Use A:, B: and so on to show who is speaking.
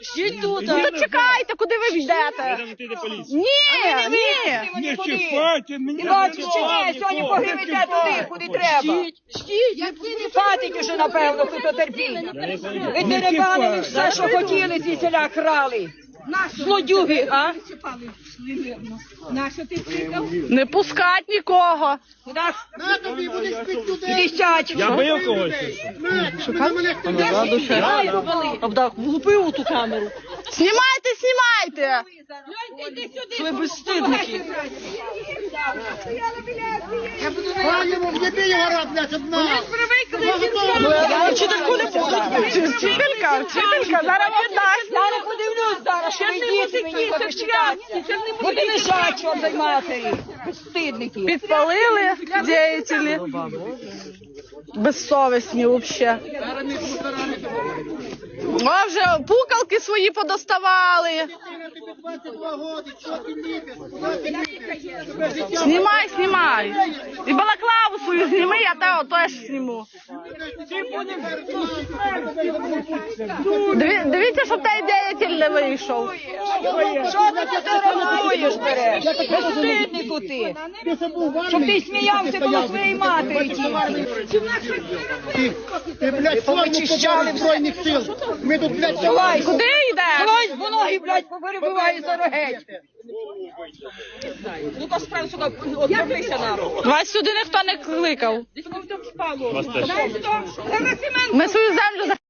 A: Жіть тут.
B: Ну то чекайте, куди ви йдете? Ні, ні.
C: Не чіпайте, мені
A: Сьогодні погрібете туди, куди треба. Хватить уже, напевно, хто терпіння. Ви дерибанили все, що хотіли, ці селя крали. Злодюги, а?
B: Не пускать нікого.
A: Десять.
D: Я бив когось.
A: Влупив у ту камеру.
B: Знімайте, знімайте.
A: Ви безстидники. Вчительку не буду.
B: Вчителька, зараз віддасть.
A: Я не подивлюсь зараз, що ви діти мені захищаються. Буде лежать, чорт дай матері. Безстидники.
B: Підпалили діятелі. Безсовісні взагалі. О, вже пукалки свої подоставали. Знімай, знімай. І балаклаву свою зніми, я тебе теж зніму. Дивіться, щоб той діятель не вийшов.
A: Що ти фотографуєш, береш? Безстиднику ти. Щоб ти сміявся коло своєї матері.
E: Ти, блядь, повичищали Збройних сил. Ми тут, блядь,
A: Давай,
B: Куди йдеш?
A: Хтось по ноги, блядь, поперебиває за рогеть. Ну-ка, справді, сука, отвернися народ.
B: Вас сюди ніхто не кликав. Ми свою землю